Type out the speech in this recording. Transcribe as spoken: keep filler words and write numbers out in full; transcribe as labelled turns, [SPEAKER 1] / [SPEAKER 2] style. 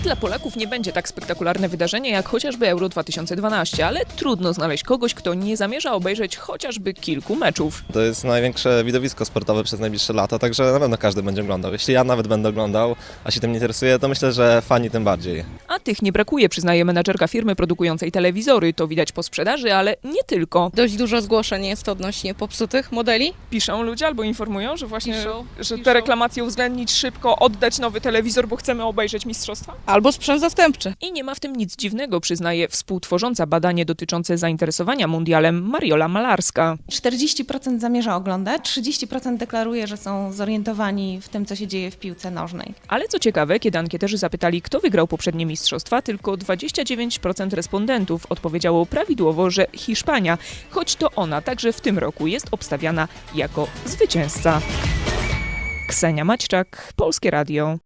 [SPEAKER 1] dla Polaków nie będzie tak spektakularne wydarzenie jak chociażby Euro dwa tysiące dwanaście, ale trudno znaleźć kogoś, kto nie zamierza obejrzeć chociażby kilku meczów.
[SPEAKER 2] To jest największe widowisko sportowe przez najbliższe lata, także na pewno każdy będzie oglądał. Jeśli ja nawet będę oglądał, a się tym nie interesuje, to myślę, że fani tym bardziej.
[SPEAKER 1] A tych nie brakuje, przyznaje menadżerka firmy produkującej telewizory. To widać po sprzedaży, ale nie tylko.
[SPEAKER 3] Dość dużo zgłoszeń jest odnośnie popsutych modeli.
[SPEAKER 1] Piszą ludzie albo informują, że właśnie
[SPEAKER 3] Piszą,
[SPEAKER 1] że
[SPEAKER 3] piszą.
[SPEAKER 1] te reklamacje uwzględnić szybko, oddać nowy telewizor, bo chcemy obejrzeć mistrzostwa.
[SPEAKER 3] Albo sprzęt zastępczy.
[SPEAKER 1] I nie ma w tym nic dziwnego, przyznaje współtworząca badanie dotyczące zainteresowania mundialem Mariola Malarska.
[SPEAKER 4] czterdzieści procent zamierza oglądać, trzydzieści procent deklaruje, że są zorientowani w tym, co się dzieje w piłce nożnej.
[SPEAKER 1] Ale co ciekawe, kiedy ankieterzy zapytali, kto wygrał poprzednie mistrzostwa, tylko dwadzieścia dziewięć procent respondentów odpowiedziało prawidłowo, że Hiszpania, choć to ona także w tym roku jest obstawiana jako zwycięzca. Ksenia Maćczak, Polskie Radio.